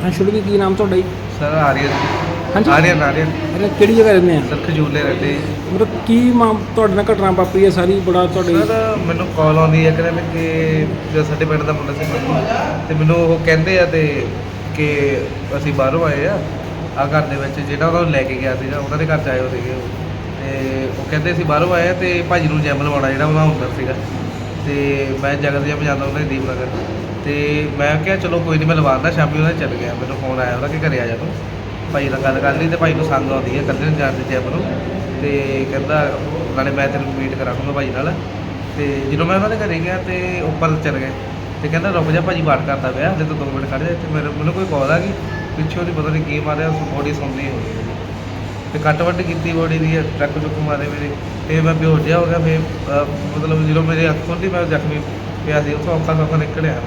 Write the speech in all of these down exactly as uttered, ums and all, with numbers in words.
ਹਾਂ ਸ਼ੁਰੂ ਕੀ ਨਾਮ ਤੁਹਾਡਾ ਜੀ? ਸਰ ਆਰੀਅਨ ਹਾਂਜੀ ਆਰੀਅਨ ਆਰੀਅਨ ਅਰੇ ਕਿਹੜੀ ਜਗ੍ਹਾ ਰਹਿੰਦੇ ਆ? ਸਰ ਖਜੂਲੇ ਰਹਿੰਦੇ ਮਤਲਬ ਕੀ ਮਾਂ ਤੁਹਾਡੇ ਨਾਲ ਘਟਨਾ ਵਾਪਰੀ ਹੈ ਸਾਰੀ ਬੜਾ ਤੁਹਾਡੇ? ਸਰ ਮੈਨੂੰ ਕਾਲ ਆਉਂਦੀ ਹੈ ਕਹਿੰਦੇ ਕਿ ਜੋ ਸਾਡੇ ਪਿੰਡ ਦਾ ਮੁੰਡਾ ਸੀ ਮੰਨੂ ਤੇ ਮੈਨੂੰ ਉਹ ਕਹਿੰਦੇ ਆ ਤੇ ਕਿ ਅਸੀਂ ਬਾਹਰੋਂ ਆਏ ਆ ਆ ਘਰ ਦੇ ਵਿੱਚ ਜਿਹੜਾ ਉਹਨਾਂ ਨੂੰ ਲੈ ਕੇ ਗਿਆ ਸੀਗਾ ਉਹਨਾਂ ਦੇ ਘਰ 'ਚ ਆਏ ਹੋ ਸੀਗੇ ਉਹ ਤੇ ਉਹ ਕਹਿੰਦੇ ਅਸੀਂ ਬਾਹਰੋਂ ਆਏ ਆ ਤੇ ਭਾਜੀ ਨੂੰ ਜੈਮ ਲਵਾਉਣਾ ਜਿਹੜਾ ਉਹਨਾਂ ਹੁੰਦਾ ਸੀਗਾ ਤੇ ਮੈਂ ਜਗਤ ਜਿਹਾ ਜਾਂਦਾ ਉਹਨਾਂ ਦੀ ਦੀਪ ਨਗਰ ਤੇ ਮੈਂ ਕਿਹਾ ਚਲੋ ਕੋਈ ਨਹੀਂ ਮੈਂ ਲਵਾਉਂਦਾ। ਸ਼ਾਮੀ ਉਹਨਾਂ ਚੱਲ ਗਿਆ ਮੈਨੂੰ ਫੋਨ ਆਇਆ ਉਹਦਾ ਕਿ ਘਰੇ ਆ ਜਾ ਤੂੰ ਭਾਈ ਨਾਲ ਗੱਲ ਕਰ ਲਈ ਤੇ ਭਾਈ ਨੂੰ ਸੰਗ ਆਉਂਦੀ ਹੈ ਇਕੱਲੇ ਨੂੰ ਜਾਣ ਦੇ ਜੈਮ ਨੂੰ ਤੇ ਕਹਿੰਦਾ ਨਾਲੇ ਮੈਂ ਤੈਨੂੰ ਮੀਟ ਕਰਾਉਂਗਾ ਭਾਈ ਨਾਲ ਤੇ ਜਦੋਂ ਮੈਂ ਉਹਨਾਂ ਦੇ ਘਰੇ ਗਿਆ ਤੇ ਉੱਪਰ ਚੱਲ ਗਏ ਤੇ ਕਹਿੰਦਾ ਰੁਕ ਜਾ ਭਾਜੀ ਬਾਤ ਕਰਦਾ ਪਿਆ ਹਲੇ ਤਾਂ ਦੋ ਮਿੰਟ ਖੜ੍ਹ ਜਾ ਤੇ ਮੇਰੇ ਮੈਨੂੰ ਕੋਈ ਕਾਲ ਆ ਗਈ ਪਿੱਛੋਂ ਦੀ ਪਤਾ ਨਹੀਂ ਕੀ ਮਾਰਿਆ ਬੋਡੀ ਸੁਣਦੀ ਹੋ ਗਈ ਤੇ ਕੱਟ ਵੱਟ ਕੀਤੀ ਬੋਡੀ ਦੀ ਟਰੱਕ ਚੁੱਕ ਮਾਰੇ ਮੇਰੇ ਤੇ ਮੈਂ ਬੇਹੋਸ਼ ਜਿਹਾ ਹੋ ਗਿਆ ਫਿਰ ਮਤਲਬ ਜਦੋਂ ਮੇਰੇ ਅੱਖ ਖੁੱਲ੍ਹੀ ਮੈਂ ਜ਼ਖਮੀ ਪਿਆ ਸੀ ਉੱਥੋਂ ਔਖਾ ਸੌਖਾ ਨਿਕਲਿਆ।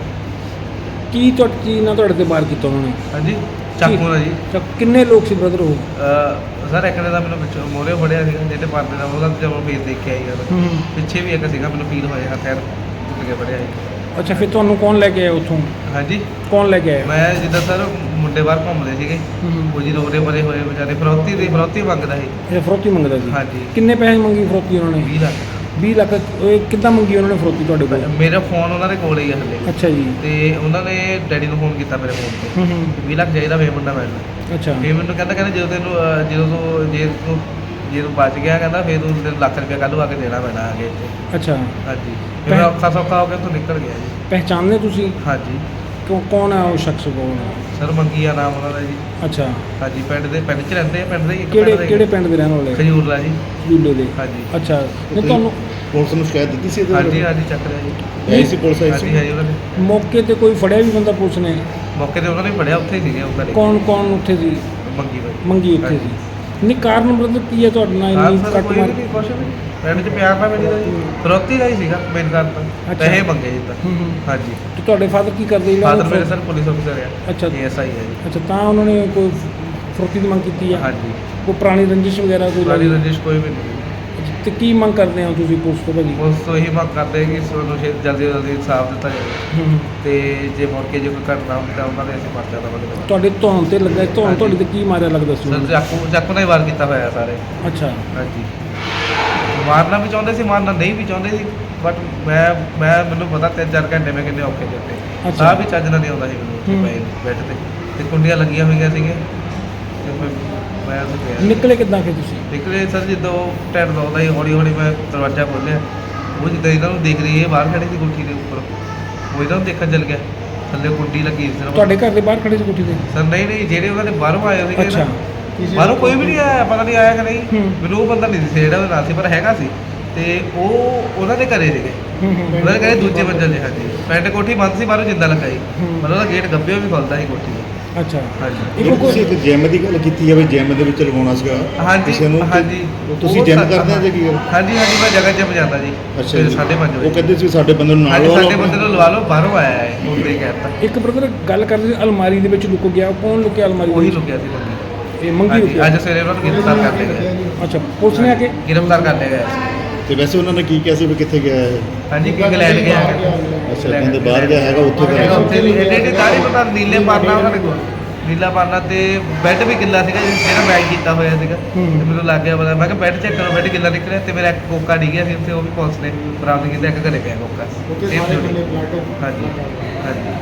ਕੀ ਤੁਹਾਡੀ ਚੀਜ਼ ਨਾਲ ਤੁਹਾਡੇ ਤੇ ਵਾਰ ਕੀਤਾ ਉਹਨਾਂ ਨੇ? ਹਾਂਜੀ ਚਾਕੂ ਨਾਲ ਜੀ। ਤਾਂ ਕਿੰਨੇ ਲੋਕ ਸੀ ਬ੍ਰਦਰ ਉਹ? ਸਰ ਇੱਕ ਨੇ ਤਾਂ ਮੈਨੂੰ ਪਿੱਛੋਂ ਮੋਰੇ ਫੜਿਆ ਸੀਗਾ ਜਿਹਦੇ ਪਰਦੇ ਦਾ ਉਹਦਾ ਜਦੋਂ ਫੇਸ ਦੇਖ ਕੇ ਆਈ ਗੱਲ ਪਿੱਛੇ ਵੀ ਇੱਕ ਸੀਗਾ ਮੈਨੂੰ ਫੀਲ ਹੋਇਆ ਖੈਰ ਟੁੱਟ ਕੇ ਫੜਿਆ ਸੀ। ਅੱਛਾ ਫਿਰ ਤੁਹਾਨੂੰ ਕੌਣ ਲੈ ਕੇ ਆਇਆ ਉੱਥੋਂ? ਹਾਂਜੀ ਕੌਣ ਲੈ ਕੇ ਆਇਆ? ਮੈਂ ਜਿੱਦਾਂ ਸਰ ਮੁੰਡੇ ਬਾਹਰ ਘੁੰਮਦੇ ਸੀਗੇ ਉਹ ਜੀ ਰੋਰੇ ਬਰੇ ਹੋਏ ਵਿਚਾਰੇ ਫਰੌਤੀ ਦੀ ਫਰੌਤੀ ਮੰਗਦਾ ਸੀ। ਇਹ ਫਰੋਤੀ ਮੰਗਦਾ ਸੀ? ਹਾਂਜੀ। ਕਿੰਨੇ ਪੈਸੇ ਮੰਗੀ ਫਰੋਤੀ ਉਹਨਾਂ ਨੇ? ਵੀਹ ਲੱਖ ਵੀਹ ਲੱਖ ਇਹ ਕਿੱਦਾਂ ਮੰਗੀ ਉਹਨਾਂ ਨੇ ਫਰੋਤੀ ਤੁਹਾਡੇ ਕੋਲ? ਮੇਰਾ ਫੋਨ ਉਹਨਾਂ ਦੇ ਕੋਲ ਹੀ ਆ ਹਲੇ। ਅੱਛਾ ਜੀ। ਤੇ ਉਹਨਾਂ ਨੇ ਡੈਡੀ ਨੂੰ ਫੋਨ ਕੀਤਾ ਮੇਰੇ ਫੋਨ ਤੇ ਹੂੰ ਹੂੰ ਵੀਹ ਲੱਖ ਚਾਹੀਦਾ ਵੇ ਮੁੰਡਾ ਮੈਨੂੰ। ਅੱਛਾ ਇਹ ਮੈਨੂੰ ਕਹਿੰਦਾ ਕਹਿੰਦਾ ਜਦੋਂ ਤੈਨੂੰ ਅਹ, ਜਦੋਂ ਤੂੰ ਜੇ ਤੂੰ ਜੇ ਤੂੰ ਬਚ ਗਿਆ ਕਹਿੰਦਾ ਫਿਰ ਤੂੰ ਤੈਨੂੰ ਲੱਖ ਰੁਪਇਆ ਕੱਲ੍ਹ ਨੂੰ ਆ ਕੇ ਦੇਣਾ ਪੈਣਾ ਅੱਗੇ ਇੱਥੇ। ਅੱਛਾ ਹਾਂਜੀ ਫਿਰ ਮੈਂ ਔਖਾ ਸੌਖਾ ਹੋ ਕੇ ਉੱਥੋਂ ਨਿਕਲ ਗਿਆ ਜੀ। ਪਹਿਚਾਨਦੇ ਤੁਸੀਂ ਹਾਂਜੀ ਕਿਉਂ ਕੌਣ ਹੈ ਉਹ ਸ਼ਖਸ ਕੌਣ ਹੈ? ਸਰ ਮੰਗੀ ਆ ਨਾਮ ਉਹਨਾਂ ਦਾ ਜੀ। ਅੱਛਾ ਹਾਂਜੀ ਪਿੰਡ ਦੇ ਪਿੰਡ 'ਚ ਰਹਿੰਦੇ ਆ ਪਿੰਡ ਦੇ ਹੀ ਇੱਕ ਕਿਹੜੇ ਪਿੰਡ ਦੇ ਕਿਹੜੇ ਪਿੰਡ ਦੇ ਰਹਿਣ ਵਾਲੇ? ਖਜੂਰਲਾ ਜੀ। ਜੂਲੇ ਦੇ? ਹਾਂਜੀ ਅੱਛਾ ਨਹੀਂ ਤੁਹਾਨੂੰ ਪੁਲਿਸ ਨੂੰ ਸ਼ਿਕਾਇਤ ਦਿੱਤੀ ਸੀ ਇਹਦੇ ਹਾਂਜੀ ਬਾਰੇ? ਹਾਂਜੀ ਚੱਕ ਰਿਹਾ ਜੀ। ਆਈ ਸੀ ਪੁਲਿਸ ਆਈ ਹਾਂਜੀ ਸੀ? ਹਾਂਜੀ ਉਹਨਾਂ ਨੇ ਮੌਕੇ ਤੇ ਕੋਈ ਫੜਿਆ ਵੀ ਬੰਦਾ ਪੁਲਿਸ ਨੇ? ਮੌਕੇ ਤੇ ਉਹਨਾਂ ਨੇ ਫੜਿਆ ਉੱਥੇ ਹੀ ਸੀਗੇ ਉਹ ਘਰੇ ਕੌਣ ਕੌਣ ਉੱਥੇ ਸੀ? ਮੰਗੀ ਬਾਈ ਮੰਗੀ ਉੱਥੇ ਸੀ? ਨਹੀਂ ਕਾਰਨ ਬ੍ਰਦਰ ਕੀ ਹੈ ਤੁਹਾਡੇ ਨਾਲ ਹਾਂ ਇੰਨੀ ਸਰ ਕੱਟ ਕੋਈ ਮਾਰ? ਵੀ ਨਹੀਂ ਕੁਛ ਵੀ ਪਿੰਡ 'ਚ ਪਿਆਰ ਨਾਲ ਮਿਲੀ ਦਾ ਜੀ ਫਰੋਤੀ ਦਾ ਹੀ ਸੀਗਾ ਮੇਨ ਕਾਰਨ ਤਾਂ ਅੱਛਾ। ਪੈਸੇ ਮੰਗੇ ਜੀ ਤਾਂ ਹੂੰ ਹੂੰ ਹਾਂਜੀ। ਤੇ ਤੁਹਾਡੇ ਫਾਦਰ ਕੀ ਕਰਦੇ ਇਹਨਾਂ ਫਾਦਰ ਨੂੰ ਮੇਰੇ ਫਰੋ- ਸਰ ਪੁਲਿਸ ਅਫਸਰ ਆ ਅੱਛਾ ਏ ਐਸ ਆਈ ਹੈ ਜੀ। ਅੱਛਾ ਤਾਂ ਉਹਨਾਂ ਨੇ ਕੋਈ ਫਰੋਤੀ ਦੀ ਮੰਗ ਕੀਤੀ ਹੈ? ਹਾਂਜੀ ਕੋਈ ਪੁਰਾਣੀ ਰੰਜਿਸ਼ ਵਗੈਰਾ ਕੋਈ ਪੁਰਾਣੀ ਲੱਗੀ? ਰੰਜਿਸ਼ ਕੋਈ ਵੀ ਨਹੀਂ। ਅੱਛਾ, ਤੇ ਕੀ ਮੰਗ ਕਰਦੇ ਹੋ ਤੁਸੀਂ ਪੁਲਿਸ ਤੋਂ ਭਾਜੀ? ਉਸ ਤੋਂ ਇਹੀ ਮੰਗ ਕਰਦੇ ਕਿ ਸਾਨੂੰ ਛੇ ਜਲਦੀ ਤੋਂ ਜਲਦੀ ਇਨਸਾਫ ਦਿੱਤਾ ਜਾਵੇ ਹੂੰ ਹੂੰ ਤੇ ਜੇ ਮੁੜ ਕੇ ਜੇ ਕੋਈ ਘਟਨਾ ਹੁੰਦੀ ਤਾਂ ਉਹਨਾਂ ਦੇ ਅਸੀਂ ਪਰਚਾ ਦੇਵਾਂਗੇ। ਤੁਹਾਡੇ ਧੌਣ ਤੇ ਲੱਗਾ ਧੌਣ ਹਾਂਜੀ। ਤੁਹਾਡੀ ਤੇ ਕੀ ਮਾਰਿਆ ਲੱਗਦਾ ਸੀ? ਸਰ ਚਾਕੂ ਚਾਕੂ ਨਾਲ ਹੀ ਵਾਰ ਕੀਤਾ ਹੋਇਆ ਸਾਰੇ। ਅੱਛਾ ਹਾਂਜੀ ਮਾਰਨਾ ਵੀ ਚਾਹੁੰਦੇ ਸੀ ਮਾਰਨਾ ਨਹੀਂ ਵੀ ਚਾਹੁੰਦੇ ਸੀ ਬਟ ਮੈਂ ਮੈਂ ਮੈਨੂੰ ਪਤਾ ਤਿੰਨ ਚਾਰ ਘੰਟੇ ਮੈਂ ਕਿੰਨੇ ਔਖੇ ਦਿੱਤੇ। ਅੱਛਾ। ਸਾਹ ਵੀ ਚੱਜ ਨਾਲ ਨਹੀਂ ਆਉਂਦਾ ਸੀ ਮੈਨੂੰ ਉੱਥੇ ਹੂੰ। ਪਏ ਬੈੱਡ ਤੇ ਤੇ ਕੁੰਡੀਆਂ ਲੱਗੀਆਂ ਹੋਈਆਂ ਸੀਗੀਆਂ ਤੇ ਫਿਰ ਮੈਂ ਉੱਥੇ ਪਿਆ ਨਿਕਲੇ ਕਿੱਦਾਂ ਫਿਰ ਤੁਸੀਂ? ਨਿਕਲੇ ਸਰ ਜਦੋਂ ਟੈਟ ਦੋਦਾ ਹੀ ਹੌਲੀ ਹੌਲੀ ਮੈਂ ਦਰਵਾਜ਼ਾ ਖੋਲ੍ਹਿਆ ਉਹ ਜਿੱਦਾਂ ਇਹਨਾਂ ਨੂੰ ਦੇਖ ਰਹੀ ਇਹ ਬਾਹਰ ਖੜੀ ਸੀ ਕੋਠੀ ਦੇ ਉੱਪਰ ਉਹ ਇਹਨਾਂ ਨੂੰ ਦੇਖਣ ਚੱਲ ਗਿਆ ਥੱਲੇ ਕੁੰਡੀ ਲੱਗੀ ਸੀ ਸਿਰਫ। ਤੁਹਾਡੇ ਘਰ ਦੇ ਬਾਹਰ ਖੜੇ ਸੀ ਕੋਠੀ ਤੇ? ਸਰ ਨਹੀਂ ਨਹੀਂ ਜਿਹੜੇ ਉਹਨਾਂ ਦੇ ਬਾਹਰੋਂ ਆਏ ਸੀਗੇ ਅੱਛਾ। ਨਾ ਬਾਹਰੋਂ ਕੋਈ ਵੀ ਨਹੀਂ ਆਇਆ ਪਤਾ ਨਹੀਂ ਆਇਆ ਕਿ ਨਹੀਂ ਹੂੰ। ਮੈਨੂੰ ਉਹ ਬੰਦਾ ਨਹੀਂ ਸੀ ਜਿਹੜਾ ਉਹਦੇ ਨਾਲ ਸੀ ਪਰ ਹੈਗਾ ਸੀ ਤੇ ਉਹ ਉਹਨਾਂ ਦੇ ਘਰੇ ਸੀਗੇ ਹੂੰ ਹੂੰ ਉਹਨਾਂ ਦੇ ਘਰੇ ਦੂਜੇ ਮੰਜ਼ਲ 'ਤੇ ਹਾਂਜੀ ਪੈਂਟ ਕੋਠੀ ਬੰਦ ਸੀ ਬਾਹਰੋਂ ਜਿੰਦਾ ਲੱਗਾ ਸੀ ਹੂੰ। ਮਤਲਬ ਉਹਦਾ ਗੇਟ ਗੱਬਿਓ ਵੀ ਖੁੱਲਦਾ ਸੀ ਕੋਠੀ ਦਾ। ਅੱਛਾ ਹਾਂਜੀ ਇੱਕ ਜੇ ਤੁਸੀਂ ਕੋਈ ਇੱਕ ਜਿਮ ਦੀ ਗੱਲ ਕੀਤੀ ਜਾਵੇ ਜਿਮ ਦੇ ਵਿੱਚ ਲਗਾਉਣਾ ਸੀਗਾ ਹਾਂਜੀ ਕਿਸੇ ਨੂੰ ਤੇ ਹਾਂਜੀ ਤੁਸੀਂ ਉਹ ਜਿਮ ਸਾ- ਕਰਦੇ ਆ ਜਾਂ ਕੀ? ਹਾਂਜੀ ਹਾਂਜੀ ਮੈਂ ਜਗ੍ਹਾ ਜਿਮ ਜਾਂਦਾ ਜੀ ਅੱਛਾ ਸਵੇਰੇ ਜੀ। ਸਾਢੇ ਪੰਜ ਉਹ ਵਜੇ ਕਹਿੰਦੇ ਸੀ ਸਾਡੇ ਬੰਦੇ ਨੂੰ ਨਾਲ ਹਾਂਜੀ ਲਵਾ ਸਾਡੇ ਲਓ। ਬੰਦੇ ਨੂੰ ਲਵਾ ਲਓ ਬਾਹਰੋਂ ਆਇਆ ਹੈ ਮੁੰਡੇ ਕਹਿਤਾ ਇੱਕ ਬ੍ਰਦਰ ਗੱਲ ਕਰਦੇ ਸੀ ਅਲਮਾਰੀ ਦੇ ਵਿੱਚ ਲੁਕ ਗਿਆ ਉਹ ਕੌਣ ਲੁਕਿਆ ਅਲਮਾਰੀ ਦੇ ਉਹੀ ਵਿੱਚ? ਲੁਕਿਆ ਸੀ ਬੰਦੀ ਇਹ ਮੰਗੀ ਹਾਂਜੀ ਲੁਕਿਆ? ਅੱਜ ਸਵੇਰੇ ਉਹਨਾਂ ਨੂੰ ਗ੍ਰਿਫਤਾਰ ਕਰ ਲਿਆ ਗਿਆ ਅੱਛਾ ਪੁਲਿਸ ਨੇ ਆ ਕੇ? ਗ੍ਰਿਫਤਾਰ ਕਰ ਲਿਆ ਗਿਆ ਤੇ ਵੈਸੇ ਉਹਨਾਂ ਨੇ ਕੀ ਕਿਹਾ ਸੀ ਵੀ ਕਿੱਥੇ ਗਿਆ ਹੈ? ਹਾਂਜੀ ਕੀ ਇੰਗਲੈਂਡ ਗਿਆ ਹੈਗਾ। ਅੱਛਾ ਕਹਿੰਦੇ ਬਾਹਰ ਗਿਆ ਹੈਗਾ ਉੱਥੇ ਹੈਗਾ ਗਿਆ। ਉੱਥੇ ਵੀ ਐਡੇ ਐਡੇ ਦਾੜੀ ਪਤਾ ਨੀਲੇ ਪਾਰਨਾ ਉਹਨਾਂ ਦੇ ਕੋਲ ਨੀਲਾ ਪਾਰਨਾ ਤੇ ਬੈੱਡ ਵੀ ਗਿੱਲਾ ਸੀਗਾ ਜਿਹੜਾ ਮੈਚ ਕੀਤਾ ਹੋਇਆ ਸੀਗਾ ਹੂੰ। ਤੇ ਮੈਨੂੰ ਲੱਗ ਗਿਆ ਪਤਾ ਮੈਂ ਕਿਹਾ ਬੈੱਡ ਚੈੱਕ ਕਰੋ ਬੈੱਡ ਗਿੱਲਾ ਨਿਕਲਿਆ ਤੇ ਮੇਰਾ ਇੱਕ ਕੋਕਾ ਡਿੱਗਿਆ ਸੀ ਉੱਥੇ ਉਹ ਵੀ ਪੁਲਿਸ ਨੇ ਬਰਾਮਦ ਕੀਤਾ ਇੱਕ ਘਰੇ ਪਿਆ ਕੋਕਾ ਸੇਮ ਜੁੜੀ ਹਾਂਜੀ ਹਾਂਜੀ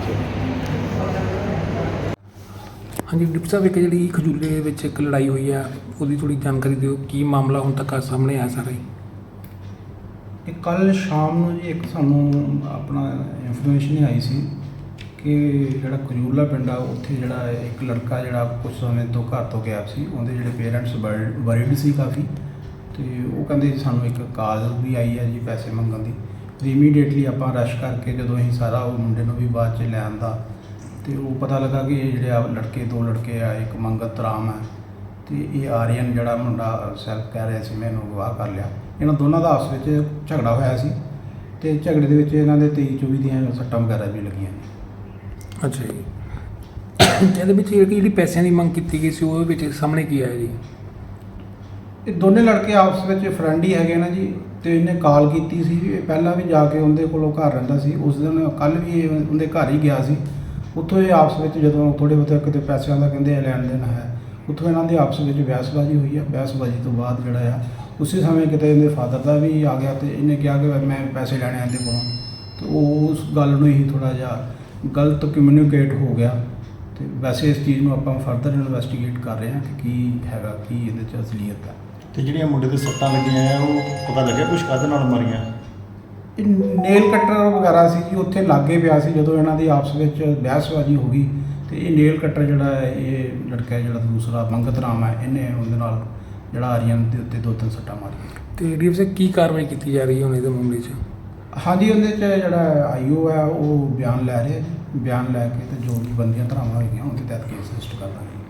ਹਾਂਜੀ ਡਿਪਟੀ ਸਾਹਿਬ ਇੱਕ ਜਿਹੜੀ ਖਜੂਲੇ ਵਿੱਚ ਇੱਕ ਲੜਾਈ ਹੋਈ ਆ ਉਹਦੀ ਥੋੜੀ ਜਾਣਕਾਰੀ ਦਿਓ ਕੀ ਮਾਮਲਾ ਹੁਣ ਤੱਕ ਆ ਸਾਹਮਣੇ ਆਇਆ ਸਾਰਾ ਹੀ? ਇਹ ਕੱਲ੍ਹ ਸ਼ਾਮ ਨੂੰ ਜੀ ਇੱਕ ਸਾਨੂੰ ਆਪਣਾ ਇਨਫੋਰਮੇਸ਼ਨ ਆਈ ਸੀ ਕਿ ਜਿਹੜਾ ਖਜੂਰਲਾ ਪਿੰਡ ਆ ਉੱਥੇ ਜਿਹੜਾ ਇੱਕ ਲੜਕਾ ਜਿਹੜਾ ਕੁਝ ਸਮੇਂ ਤੋਂ ਘਰ ਤੋਂ ਗਿਆ ਸੀ ਉਹਦੇ ਜਿਹੜੇ ਪੇਰੈਂਟਸ ਵਰੀਡ ਸੀ ਕਾਫੀ ਤੇ ਉਹ ਕਹਿੰਦੇ ਜੀ ਸਾਨੂੰ ਇੱਕ ਕਾਲ ਵੀ ਆਈ ਹੈ ਜੀ ਪੈਸੇ ਮੰਗਣ ਦੀ ਤੇ ਇਮੀਡੀਏਟਲੀ ਆਪਾਂ ਰਸ਼ ਕਰਕੇ ਜਦੋਂ ਅਸੀਂ ਸਾਰਾ ਉਹ ਮੁੰਡੇ ਨੂੰ ਵੀ ਬਾਅਦ 'ਚ ਲੈ ਆਂਦਾ ਤੇ ਉਹ ਪਤਾ ਲੱਗਾ ਕਿ ਇਹ ਜਿਹੜੇ ਆ ਲੜਕੇ ਦੋ ਲੜਕੇ ਆ ਇੱਕ ਮੰਗਤ ਰਾਮ ਹੈ ਤੇ ਇਹ ਆਰੀਅਨ ਜਿਹੜਾ ਮੁੰਡਾ ਸੈਲਫ ਕਹਿ ਰਿਹਾ ਸੀ ਮੈਂ ਇਹਨੂੰ ਅਗਵਾ ਕਰ ਲਿਆ। ਇਹਨਾਂ ਦੋਨਾਂ ਦਾ ਆਪਸ ਵਿੱਚ ਝਗੜਾ ਹੋਇਆ ਸੀ ਤੇ ਝਗੜੇ ਦੇ ਵਿੱਚ ਇਹਨਾਂ ਦੇ ਤੇਈ ਚੌਵੀ ਦੀਆਂ ਸੱਟਾਂ ਵਗੈਰਾ ਵੀ ਲੱਗੀਆਂ ਨੇ। ਅੱਛਾ ਜੀ ਤੇ ਇਹਦੇ ਵਿੱਚ ਜਿਹੜੀ ਜਿਹੜੀ ਪੈਸਿਆਂ ਦੀ ਮੰਗ ਕੀਤੀ ਗਈ ਸੀ ਉਹਦੇ ਵਿੱਚ ਸਾਹਮਣੇ ਕੀ ਆਇਆ ਜੀ? ਇਹ ਦੋਨੇ ਲੜਕੇ ਆਪਸ ਵਿੱਚ ਫਰੈਂਡ ਹੀ ਹੈਗੇ ਨਾ ਜੀ ਤੇ ਇਹਨੇ ਕਾਲ ਕੀਤੀ ਸੀ ਇਹ ਪਹਿਲਾਂ ਵੀ ਜਾ ਕੇ ਉਹਦੇ ਕੋਲੋਂ ਘਰ ਰਹਿੰਦਾ ਸੀ ਉਸ ਦਿਨ ਕੱਲ੍ਹ ਵੀ ਇਹ ਉਹਦੇ ਘਰ ਹੀ ਗਿਆ ਸੀ ਉੱਥੋਂ ਇਹ ਆਪਸ ਵਿੱਚ ਜਦੋਂ ਥੋੜ੍ਹੇ ਬਹੁਤੇ ਕਿਤੇ ਪੈਸਿਆਂ ਦਾ ਕਹਿੰਦੇ ਲੈਣ ਦੇਣ ਹੈ, ਉੱਥੋਂ ਇਹਨਾਂ ਦੀ ਆਪਸ ਵਿੱਚ ਬਹਿਸਬਾਜ਼ੀ ਹੋਈ ਆ। ਬਹਿਸਬਾਜ਼ੀ ਤੋਂ ਬਾਅਦ ਜਿਹੜਾ ਆ ਉਸੇ ਸਮੇਂ ਕਿਤੇ ਇਹਦੇ ਫਾਦਰ ਦਾ ਵੀ ਆ ਗਿਆ ਤੇ ਇਹਨੇ ਕਿਹਾ ਕਿ ਮੈਂ ਪੈਸੇ ਲੈਣੇ ਆਂਦੇ ਕੋਲੋਂ, ਤੇ ਉਹ ਉਸ ਗੱਲ ਨੂੰ ਹੀ ਥੋੜ੍ਹਾ ਜਿਹਾ ਗਲਤ ਕਮਿਊਨੀਕੇਟ ਹੋ ਗਿਆ। ਤੇ ਵੈਸੇ ਇਸ ਚੀਜ਼ ਨੂੰ ਆਪਾਂ ਫਰਦਰ ਇਨਵੈਸਟੀਗੇਟ ਕਰ ਰਹੇ ਹਾਂ ਕਿ ਕੀ ਹੈਗਾ, ਕੀ ਇਹਦੇ 'ਚ ਅਸਲੀਅਤ ਹੈ। ਤੇ ਜਿਹੜੀਆਂ ਮੁੰਡੇ ਦੇ ਸੱਟਾਂ ਲੱਗੀਆਂ ਆ ਉਹ ਪਤਾ ਲੱਗਿਆ ਕੁਛ ਕਾਹਦੇ ਨਾਲ ਮਾਰੀਆਂ? ਇਹ ਨੇਲ ਕੱਟਰ ਵਗੈਰਾ ਸੀ ਜੀ, ਉੱਥੇ ਲਾਗੇ ਪਿਆ ਸੀ ਜਦੋਂ ਇਹਨਾਂ ਦੀ ਆਪਸ ਵਿੱਚ ਬਹਿਸਬਾਜ਼ੀ ਹੋ ਗਈ। ਤੇ ਇਹ ਨੇਲ ਕੱਟਰ ਜਿਹੜਾ ਹੈ, ਇਹ ਲੜਕਾ ਜਿਹੜਾ ਦੂਸਰਾ ਮੰਗਤ ਰਾਮ ਹੈ, ਇਹਨੇ ਉਹਦੇ ਨਾਲ ਜਿਹੜਾ ਆਰੀਅਨ ਦੇ ਉੱਤੇ ਦੋ ਤਿੰਨ ਸੱਟਾਂ ਮਾਰੀਆਂ। ਤੇ ਡੀਐਫ ਸਾਹਿਬ ਕੀ ਕਾਰਵਾਈ ਕੀਤੀ ਜਾ ਰਹੀ ਹੈ ਹੁਣ ਇਹਦੇ ਮਾਮਲੇ 'ਚ? ਹਾਂਜੀ, ਉਹਦੇ 'ਚ ਜਿਹੜਾ ਆਈਓ ਹੈ ਉਹ ਬਿਆਨ ਲੈ ਰਿਹਾ ਜੀ। ਬਿਆਨ ਲੈ ਕੇ ਤੇ ਜੋ ਵੀ ਬੰਦੀਆਂ ਧਾਰਾਵਾਂ ਹੋਈਆਂ ਉਹਦੇ ਤਹਿਤ ਕੇਸ ਰਜਿਸਟਰ ਕਰ ਦਾਂਗੇ।